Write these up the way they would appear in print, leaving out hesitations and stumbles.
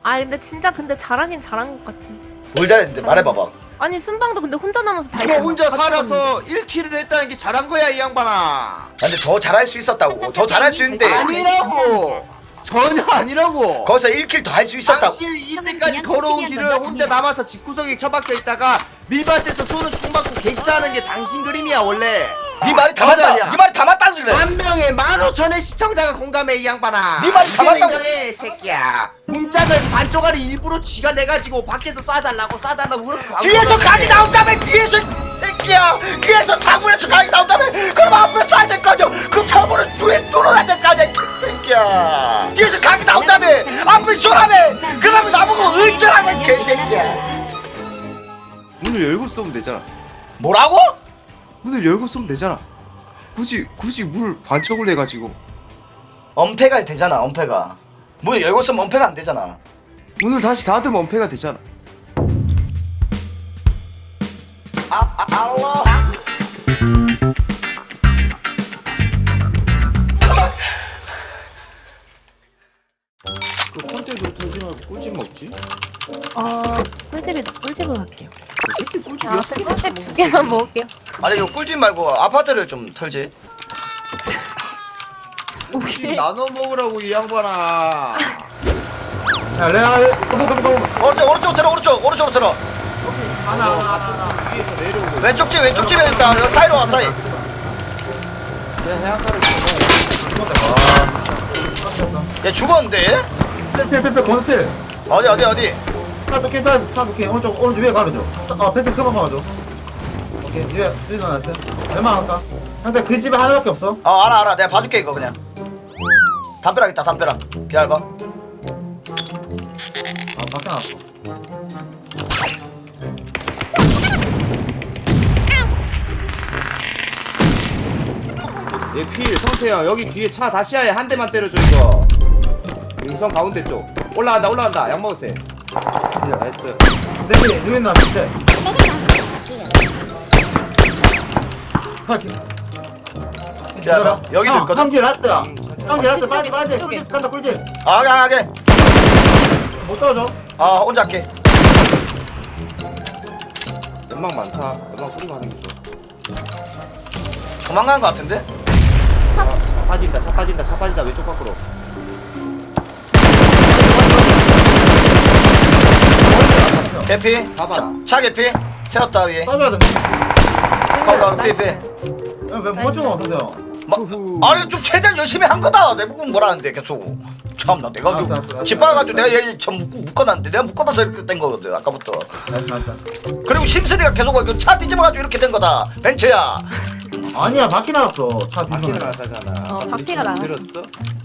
아 근데 진짜 근데 잘하긴 잘한 것 같아. 뭘 잘했는데 말해봐봐. 아니 순방도 근데 혼자 남아서 다 이거 했잖아. 혼자 같이 살아서 1킬을 했다는 게 잘한 거야 이 양반아. 아, 근데 더 잘할 수 있었다고. 더 잘할 수 있는데 아니라고. 전혀 아니라고. 거기서 1킬 더 할 수 있었다고. 당신 이때까지 걸어온 길을 혼자 남아서 집구석에 처박혀 있다가 밀밭에서 손을 총 맞고 객사하는 게 당신 그림이야 원래. 네 말이 다 맞아, 맞다. 아니야. 네 말이 다 맞다는 소리래. 한 명에 15,000의 시청자가 공감해 이 양반아. 네 말이 다 이제 맞다고. 인정해 새끼야. 문짝을 반쪽알이 일부러 쥐가 내가지고 밖에서 쏴달라고 그렇게 뒤에서 각이 나온다며. 뒤에서 새끼야. 뒤에서 창문에서 각이 나온다며. 그럼 앞에 쏴야 될 거 아니야. 그럼 창문을 뒤에 뚫어야 될 거 아니야. 새끼야. 뒤에서 각이 나온다며. 앞에 쏘라며. 그러면 나보고 어쩌라며 개새끼야. 문을 열고 쏘면 되잖아. 뭐라고? 문을 열고 쏘면 되잖아. 굳이 물 반쪽을 내가지고 엄폐가 되잖아. 엄폐가. 문 열고 있으면 엄폐가 안 되잖아. 문을 다시 닫으면 엄폐가 되잖아. 알로. 그 컨테도 털지 말고 꿀집 먹지? 꿀집으로 할게요. 그 새끼 꿀집 아, 여섯 개 꿀집 2개만 먹을게요. 아니 이거 꿀집 말고 아파트를 좀 털지. 꿀집 나눠 먹으라고 이 양반아. 야, 레아, 오른쪽 들어. 오른쪽으로 들어. 하나. 위에서 내려오고. 왼쪽 집에 있다. 여기 사이로 와 사이. 야, 해안가를 얘 죽었는데? 필, 건필. 어디? 차 도끼, 오른쪽 위에 가르죠. 펜스 그만 막아줘. 오케이, 위에 놔놨어. 얼마 할까? 현재 그 집에 하나밖에 없어. 알아. 내가 봐줄게 이거 그냥. 담벼락 있다. 담벼락. 기다려봐. 밖에 나왔어. 얘 필, 성태야 여기 뒤에 차 다시야에 한 대만 때려줘 이거. 능선 가운데 쪽. 올라간다. 약 먹으세요. 나이스. 내기, 누구 나왔을 기다려봐. 여기도 있거든. 상지 라스트야. 상지 라스트, 집 빨리. 쪽에, 집 쪽에. 꿀집 간다, 꿀집. 하게. 못 떨어져. 혼자 할게. 연막 많다. 연막 뿌리고 하는 게 좋아. 도망간 거 같은데? 차 빠진다. 왼쪽 밖으로. 개피. 봐봐라. 차 개피. 세웠다 위에. 싸줘야 된다. 거 피피. 야, 왜 버튼 없어요? 후후. 아니 좀 최대한 열심히 한 거다. 내 부분 뭐라는데 계속. 참나 내가 알았어. 집 봐가지고 내가 얘 좀 묶어놨는데 내가 묶어놔서 이렇게 된 거거든 아까부터. 알았어. 그리고 심슨이가 계속 차 뒤집어가지고 이렇게 된 거다. 벤츠야. 아니야, 바퀴 나왔어. 차 바퀴 뒤집어. 나갔다잖아. 바퀴가 나가. 들었어?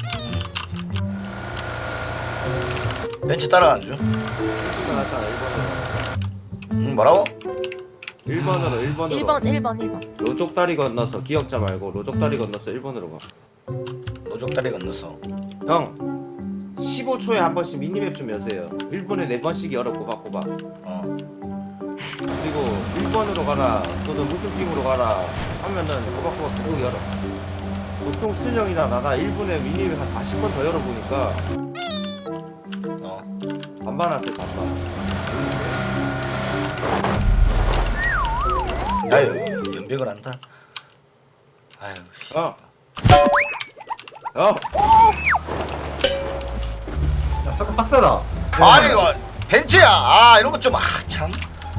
벤츠 따라가는 중. 바퀴가 나갔잖아 1번으로. 뭐라고? 1번으로 1번. 로족다리 건너서 기억자 말고 로족다리 건너서 1번으로 가. 노족다리 건넜어. 형 15초에 한 번씩 미니맵 좀 여세요. 1분에 4번씩 열어 꼬박꼬박. 그리고 1번으로 가라 또는 무슨 핑으로 가라 하면은 꼬박꼬박 계속 열어. 보통 슬령이나 나가 1분에 미니맵 한 40번 더 열어보니까 반반 왔어요 반반. 아유 연백을 한다. 아유 씨. 야 야, 잠깐 빡세다. 아니 이거 벤츠야. 이런 거 좀 참.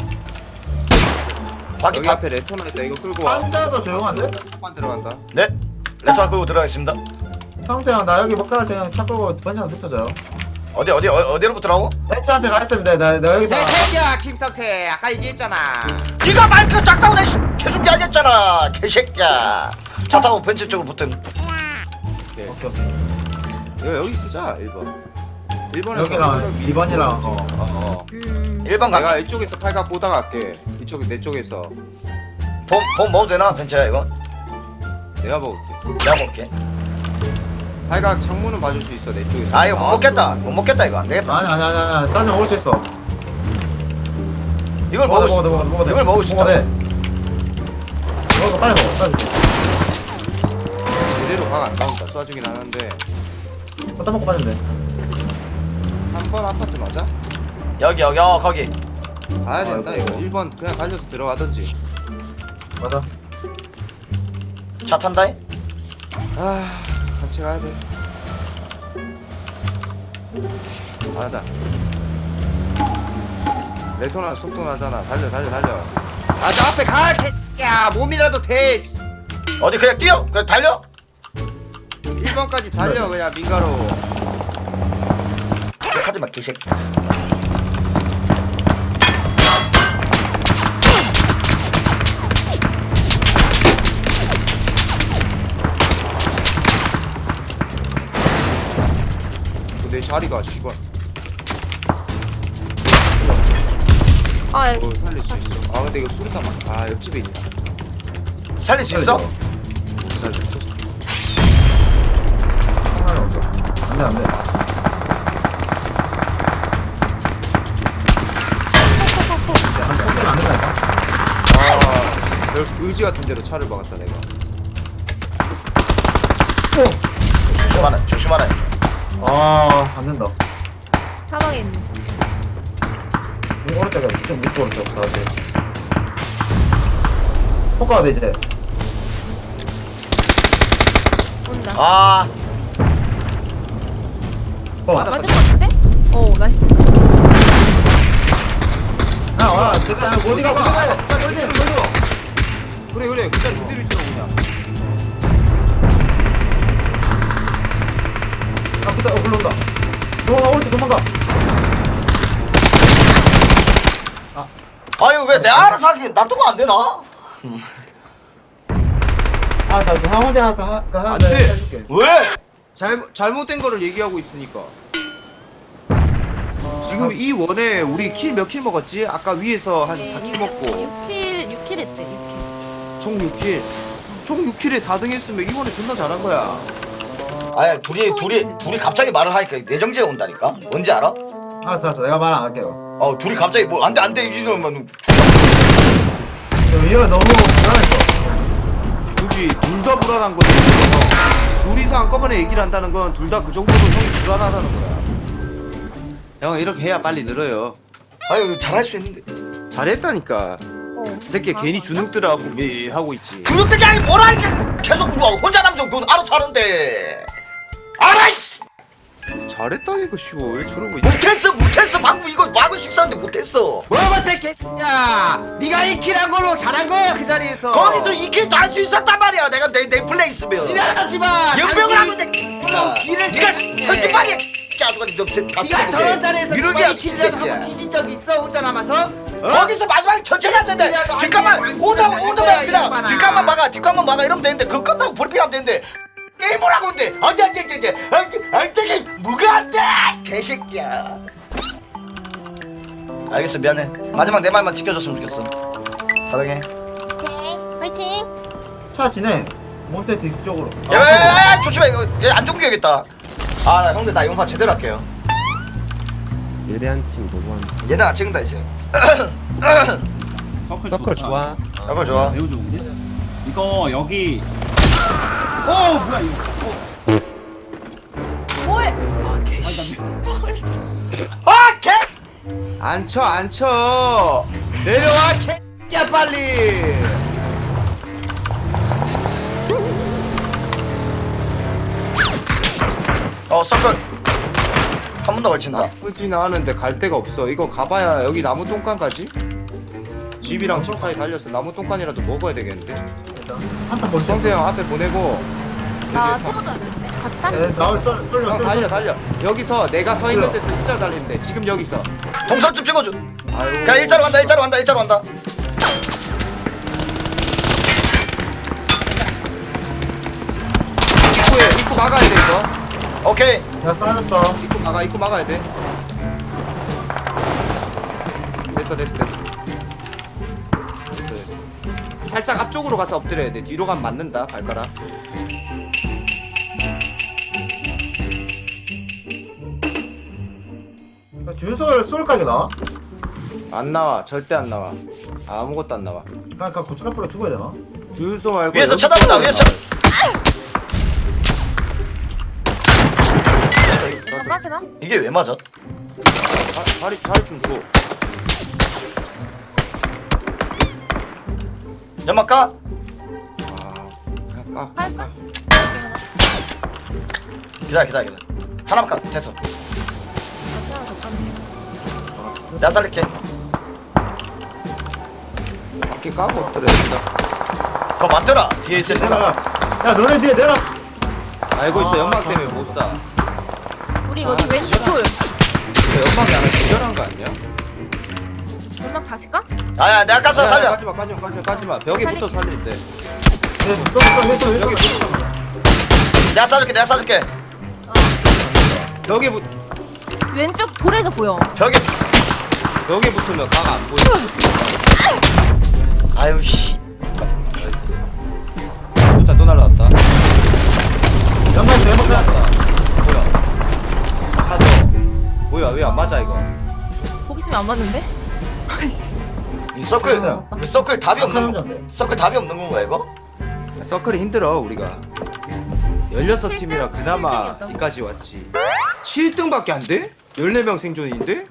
바퀴 여기 다. 앞에 레토나 있다. 이거 끌고 와. 상자도 조용한데? 한번 들어간다. 네. 레터 끌고 들어가겠습니다. 형태야, 나 여기 먹다 갈 때 차 끌고 번지한테 붙어줘요. 어디로부터라고? 벤츠한테 가 있으면 나 여기서. 내 새끼야 김성태 아까 얘기했잖아. 네가 마이크 작다고 내 계속 이야기했잖아. 개새끼야. 차 타고 벤츠 쪽으로 붙은. 오케이. 오케이. 여기 쓰자 1번. 1번에서 여기랑 2번이랑 어. 1번 내가 가. 이쪽에서 팔각 보다 갈게. 이쪽에 내 쪽에서 돈 먹어도 되나 벤츠야 이거? 내가 먹을게. 내가 먹게. 팔각 창문은 봐줄 수 있어 내 쪽에서. 아 이거 못 먹겠다 이거 안 되겠다. 아니. 딴데 먹을 수 있어. 이걸 먹을 수. 먹어. 이걸 먹을 수 있다. 먹어, 빨리 먹어. 제대로 각 안 나온다. 쏴주긴 하는데 갖다 먹고 가면 돼. 3번 아파트 맞아? 여기 거기. 가야 된다 아이고. 이거 1번 그냥 달려서 들어가던지. 맞아. 차 탄다. 아 같이 가야 돼. 가자. 레토나 속도 나잖아. 달려. 아 저 앞에 가. 야 몸이라도 돼. 씨. 어디 그냥 뛰어. 그냥 달려. 1번까지 달려 그냥 민가로. 하지마 개새끼. 내 자리가 씨발. 아 살릴 수 있어. 아 근데 이거 수류탄 많다. 아 옆집에 있다. 살릴 수 있어? 살릴 수 있어. 상관이 없어. 안돼. 안 된다니까. 아 여기 의지 같은 데로 차를 박았다 내가. 조심하라. 안 된다. 사방에 있는. 오른쪽에 좀 밑으로 오른쪽 가야지. 포카가 돼 이제. 온다. 아, 맞을 것 같은데? 오 나이스. 제가 어디가 봐. 그래 그 자리 그대로 있으라고 그냥. 그때 올라온다. 도망가 오른쪽 도망가. 아유 왜 내 알아서 하기 놔두면 안 되나? 나 혼자 와서 안 돼. 해줄게. 왜? 잘못된 거를 얘기하고 있으니까. 지금 이 원에 우리 킬 몇 킬 먹었지? 아까 위에서 한 4킬 먹고 6킬 했대 6킬. 총 6킬. 총 6킬에 4등 했으면 이 원에 존나 잘한 거야. 아야 둘이 갑자기 말을 하니까 내정지가 온다니까. 뭔지 알아? 알았어. 내가 말 안 할게요. 둘이 갑자기 뭐 안돼 이러면 얘가 너무 불안했어. 굳이 둘 다 불안한 거지. 둘이서 한꺼번에 얘기를 한다는 건 둘 다 그 정도로 형이 불안하다는 거야. 형 이렇게 해야 빨리 늘어요. 아유 잘할 수 있는데. 잘했다니까. 저 새끼 괜히 주눅들하고 하고 있지. 주눅들이 아니 뭘 하니까 계속 누가 혼자 남자 너 알아서 하는데. 알아. 잘했다니까 씨발 왜 저러고 있지? 못했어 방금 이거 막을 수 있었는데 못했어. 뭐야 새끼야! 네가 1킬한 걸로 잘한 거야 그 자리에서. 거기서 이 길도 할 수 있었단 말이야. 내가 내 플레이 있으면. 지랄하지 마. 연병을 하고 있는데. 길을 네가 새끼야. 천지발이야. 아주가 좀 네가 저런 자리에서 이러게 2킬이라도 한번 뒤진 적 있어 혼자 남아서? 거기서 마지막에 천천히 하면 되는데 그래도 뒷감만 아니, 당신은 오더만 잘할 거야, 그냥 이 뒷감만 막아 이러면 되는데 그거 끝나고 브리핑하면 되는데 게임을 하고 있는데 안돼 뭐가 안돼 개새끼야. 알겠어 미안해. 마지막 내 말만 지켜줬으면 좋겠어. 사랑해. 오케이 화이팅. 차 지내. 몬테 뒤쪽으로. 야야야 조심해 이거 얘안 죽여야겠다. 아 형들 나 용파 제대로 할게요. 예리한 팀 너무한 얘나 지금다 이제. 서클 좋아. 이거 좋아. 매우 좋은데? 이거 여기 뭐야 이거 뭐해? 아 개씨. 아 개. 앉혀 내려와 개야 빨리. 서클 한 번 더 걸친다. 나쁘진 않은데 갈 데가 없어. 이거 가봐야 여기 나무 똥간까지? 집이랑 집 사이 달렸어. 나무 똥간이라도 먹어야 되겠는데. 한판 벌써. 성대 형 앞에 보내고 나 여기 타. 태워줘야 되는데 같이 타는 네, 나올 쏠려. 형 달려 여기서 내가 서 있는 데서 일자 달리면 돼. 지금 여기서. 동선 좀 찍어줘. 아유 그냥 일자로 간다. 입구 막아야 돼 이거. 오케이. 야 쏴졌어. 입구 막아야 돼. 됐어. 살짝 앞쪽으로 가서 엎드려야 돼. 뒤로 가면 맞는다 발가락. 주유소를 쏠 각이 나와? 안 나와. 절대 안 나와. 아무것도 안 나와. 그러니까 고춧 앞으로 죽어야 되나? 주유소 말고 위에서 여기 쳐다본다. 쪽으로 위에서. 거. 빠지마. 이게 왜 맞아? 자리 좀 줘. 연막 까? 그냥 까. 할까? 기다려. 하나만 까. 됐어. 내가 살릴게. 밖에 까고 엎드려야겠다. 그거 맞더라. 뒤에 있을 때가. 내려가. 야 너네 뒤에 내려. 알고 있어. 연막 때문에 못 사. 우리 여기 왼쪽 돌. 근데 연막이 하나 기절한 거 아니야? 연막 다시 까? 아야 내가 깠어 살려. 가지마. 벽에부터 살릴 때. 또 여기 내가 쏴줄게. 벽에 왼쪽 돌에서 보여. 벽에 붙으면 각 안 보여. 아유 씨. 좋다 또 날라왔다. 연막 내먹자. 뭐야? 하죠. 뭐야 왜 안 맞아 이거? 거기 있으면 안 맞는데? 아이씨. 이 서클 답이 없는 거. 건데. 서클 답이 없는 건가 이거? 서클이 힘들어 우리가. 16팀이라 그나마 7등 이었다고? 이까지 왔지. 7등밖에 안 돼? 14명 생존인데?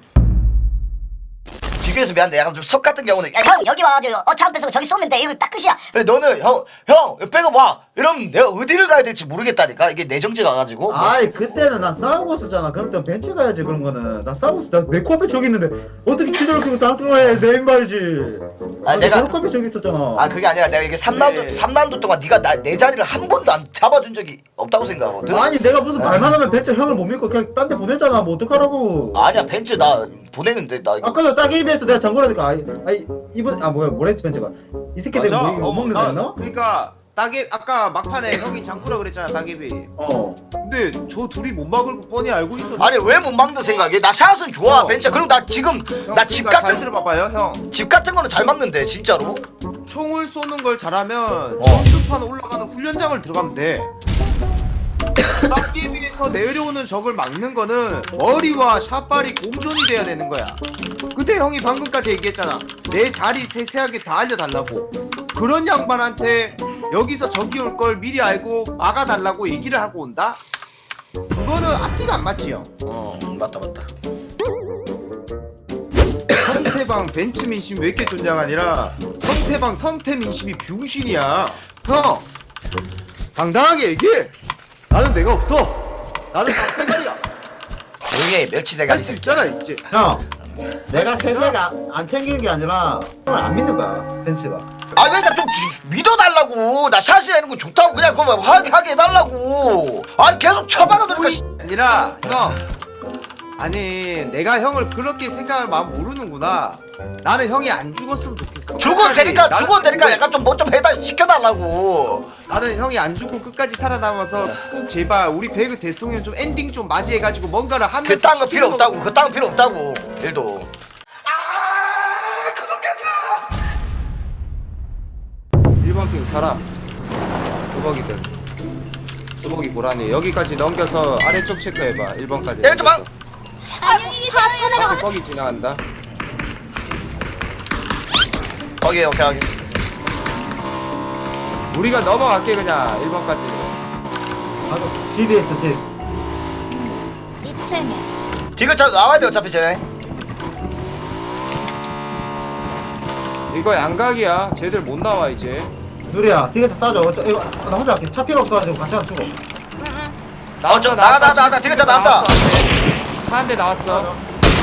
비교해서 미안한데 약간 좀 석 같은 경우는 야 형 여기 와가지고 차 뺏고 저기 쏘면 돼 이거 딱 끝이야. 근데 너는 형 백업 와 이러면 내가 어디를 가야 될지 모르겠다니까 이게 내정지 가가지고 아이 그때는 난 싸우고 있었잖아. 그럼 또 벤치 가야지 그런 거는. 나 싸우고 있어. 나내 코앞에 저기 있는데 어떻게 치도를 끼고 땅뚱을 해. 내 인바이지. 아, 내가- 내 코앞에 저기 있었잖아. 아 그게 아니라 내가 이게 3라운드 동안 네가 내 자리를 한 번도 안 잡아준 적이 없다고 생각하거든. 아니 내가 무슨 말만 하면 벤치 형을 못 믿고 그냥 딴 데 보내잖아. 뭐 어떡하라고. 아니야 벤츠 나 보내는데 나 이거 아까도 딱 ABS 내가 장고라니까. 이번 뭐야 뭐랬지 벤츠가. 이 새끼 내가 뭐 이거 못 먹는다 했나? 그러니까 따개 아까 막판에 형이 장구라 그랬잖아 따개비. 어. 근데 저 둘이 못 막을 거 뻔히 알고 있어. 아니 왜 못 막는 생각해? 나 샷은 좋아 벤츠. 그리고 나 지금 나 집 그러니까 잘 같은 들어봐봐요 형. 집 같은 거는 잘 막는데 진짜로. 총을 쏘는 걸 잘하면 어. 점수판 올라가는 훈련장을 들어가면 돼. 따개비에서 내려오는 적을 막는 거는 머리와 샷발이 공존이 돼야 되는 거야. 근데 형이 방금까지 얘기했잖아. 내 자리 세세하게 다 알려달라고. 그런 양반한테 여기서 적이 올 걸 미리 알고 막아달라고 얘기를 하고 온다? 그거는 앞뒤가 안 맞지 형. 맞다. 성태방 벤츠 민심 왜 이렇게 존냐가 아니라 성태방 성태 민심이 병신이야. 형 당당하게 얘기해. 나는 내가 없어. 나는 닭대가리야. 조용히 해 멸치 대가리 할 수 새끼. 있잖아 이제. 형. 내가 세세가 안 챙기는 게 아니라 형을 안 믿는 거야 벤츠가. 아 그러니까 좀 믿어달라고. 나 샷이 하는 거 좋다고 그냥 그거 하게 해달라고. 아니 계속 처박아두니까 씨. 아니라 형 아니 내가 형을 그렇게 생각할 마음 모르는구나. 나는 형이 안 죽었으면 좋겠어. 죽어도 되니까 나는 죽어도 되니까 근데 약간 좀 뭐 좀 해다 시켜달라고. 나는 형이 안 죽고 끝까지 살아남아서 꼭 제발 우리 배그 대통령 좀 엔딩 좀 맞이해가지고 뭔가를 하면서 그딴 거 필요 시키는 없다고. 거- 그딴 거 필요 없다고. 일도. 구독하자. 1번 핑 사람 뚜벅이들 뚜벅이 고라니 여기까지 넘겨서 아래쪽 체크해봐. 1번까지 야, 좀 봐. 차 내려가. 뚜벅이 지나간다. 오케이. 우리가 넘어갈게 그냥 1번까지. 나도 집에 있어 집. 2층에. 디귿자 나와야 돼 어차피 쟤네. 이거 양각이야. 쟤들 못 나와 이제. 누리야 티켓 싸줘. 이거 나 혼자 할게. 차 필요 없어가지고 같이 하나 주고. 응응. 나왔다. 디귿자 나왔다. 차 한 대 나왔어.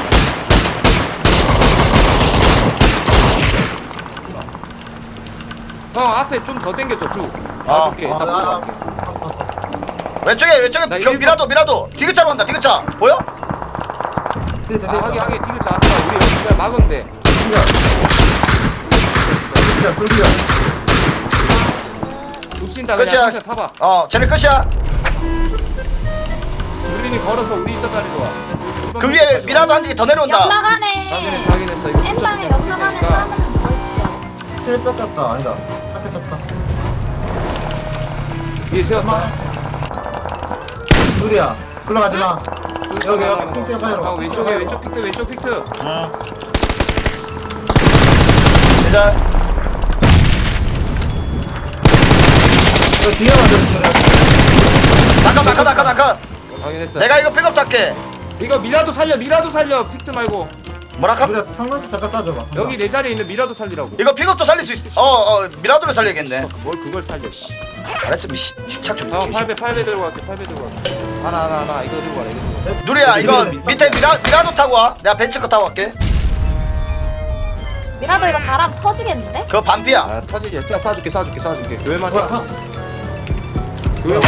형 앞에 좀 더 당겨줘 쭉. 놔줄게. 아, 이따 나- 보고 왼쪽에 나 그 미라도 디귿자로 간다. 디귿자 보여? 티켓 아, 하게 디귿자 왔어. 우리 여기 그냥 막으면 돼. 진짜 불리야. 놓친다 끝이야. 그냥 진짜 타봐. 쟤네 끝이야. 우린이 걸어서 우리 있던 자리로 와. 그 위에 미라도 한 개 더 내려온다. 연막 안에. 확인했어. 이거 엠방에 붙였을 연막 안에 테니까. 사람은 뭐 있어? 텔 뺏겼다. 아니다. 차 뺏겼다. 위에 세웠다. 누리야 올라가지 마. 여기 핑크 파이로. 아, 왼쪽 픽트. 응. 기절. 저 뒤에 와줘. 잠깐. 확인했어. 내가 이거 백업 탈게. 이거 미라도 살려 픽트 말고 뭐라카? 우리가 상단 잠깐 쏴줘봐. 여기 내 자리에 있는 미라도 살리라고. 이거 픽업도 살릴 수 있어. 미라도를 살려야겠네. 뭘 그걸 살려 씨. 잘했어 미씨. 식착 좀. 형 8배 들고 갈게 8배 들고 갈게. 하나 이거 들고 가라 이거 들고 누리야 이거 밑에 미라도 타고 와. 내가 벤츠커 타고 갈게. 미라도 이거 잘하면 터지겠는데? 그거 반피야. 아 터지지. 자 쏴줄게 교회만 뭐야? 쏴. 교회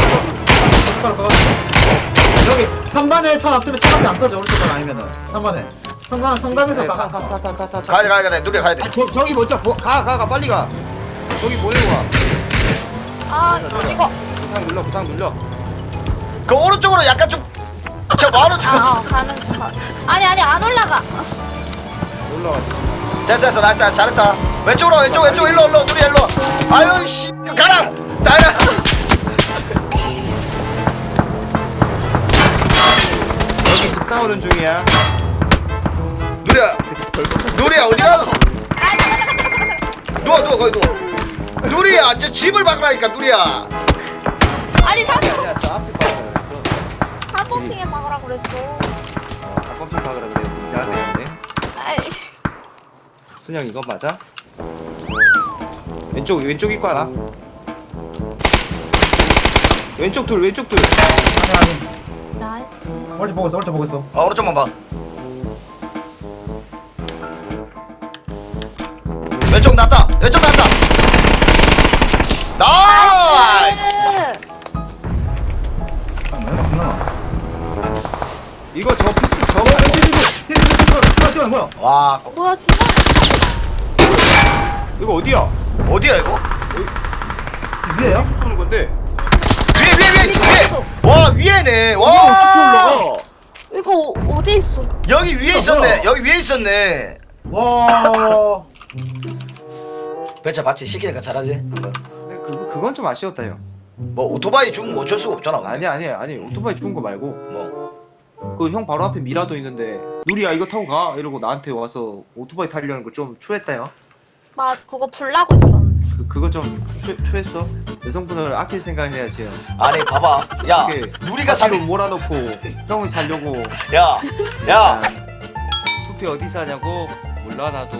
여기 3반에 차 놔두면 차밖에 안 터져. 오른쪽은 아니면은 3반에 성당에서 가. 가야 돼. 누리야 가야 돼. 아 저기 먼저 가 빨리 가. 저기 보내고 와. 아 이거 부상 눌러. 그 오른쪽으로 약간 좀. 저 뭐하러 저. 가는 중 아니 안 올라가 올라가. 됐어 나이스 잘했다. 왼쪽으로 일로 누리야 일로. 아유 씨 가라. 나야. 여기 집 싸우는 중이야. 누리야 어디가? 누워 거기 누워. 누리야 저 집을 막으라니까 누리야. 아니 아니야 저 앞에 박으라 그랬어. 3번핑에 막으라고 그랬어 4번핑 박으라 그래. 이상한 데인데. 아이 순영 이거 맞아? 왼쪽 입구 하나. 왼쪽 둘. 아니. 나이스 오른쪽 보고 있어. 오른쪽만 봐. 왼쪽 났다. 나이스. 이거 저 픽트 저거 뭐야? 와 뭐야 진짜? 이거 어디야? 어디야 이거? 집 위에요? 쏘는 건데. 위에. 와 위에네. 이거 어떻게 올라가? 이거 어디 있어? 여기 위에 있었네. 와. 배차 받치 시키니까 잘하지. 한번. 그건 좀 아쉬웠다 형. 뭐 오토바이 죽은 거 어쩔 수가 없잖아. 아니 오토바이 죽은 거 말고 뭐. 그 형 바로 앞에 미라도 있는데 누리야 이거 타고 가 이러고 나한테 와서 오토바이 타려는 거 좀 추했다 형. 맞아 그거 불나고 있었는데 그거 좀 추했어. 여성분을 아낄 생각을 해야지 형. 아니 봐봐. 야 이렇게 누리가 사로 사는. 몰아놓고 형을 살려고. 야. 투표 어디 사냐고? 몰라 나도.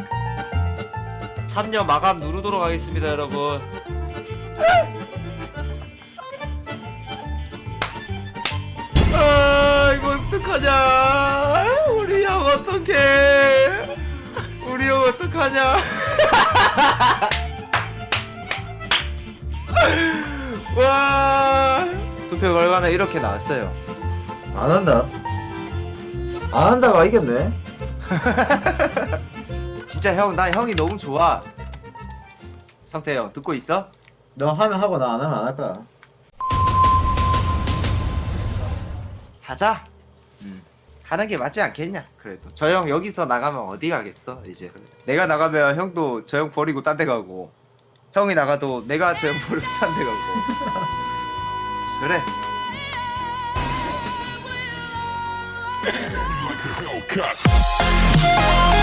참여 마감 누르도록 하겠습니다 여러분. 아 이거 어떡하냐. 우리 형 어떡해. 우리 형 어떡하냐. 와 투표 결과는 이렇게 나왔어요. 안 한다가 이겼네. 진짜 형 나 형이 너무 좋아. 성태 형 듣고 있어? 너 하면 하고 나 안 하면 안 할 거야. 하자. 하는 게 맞지 않겠냐? 그래도 저 형 여기서 나가면 어디 가겠어 이제. 내가 나가면 형도 저 형 버리고 딴 데 가고, 형이 나가도 내가 저 형 버리고 딴 데 가고. 그래.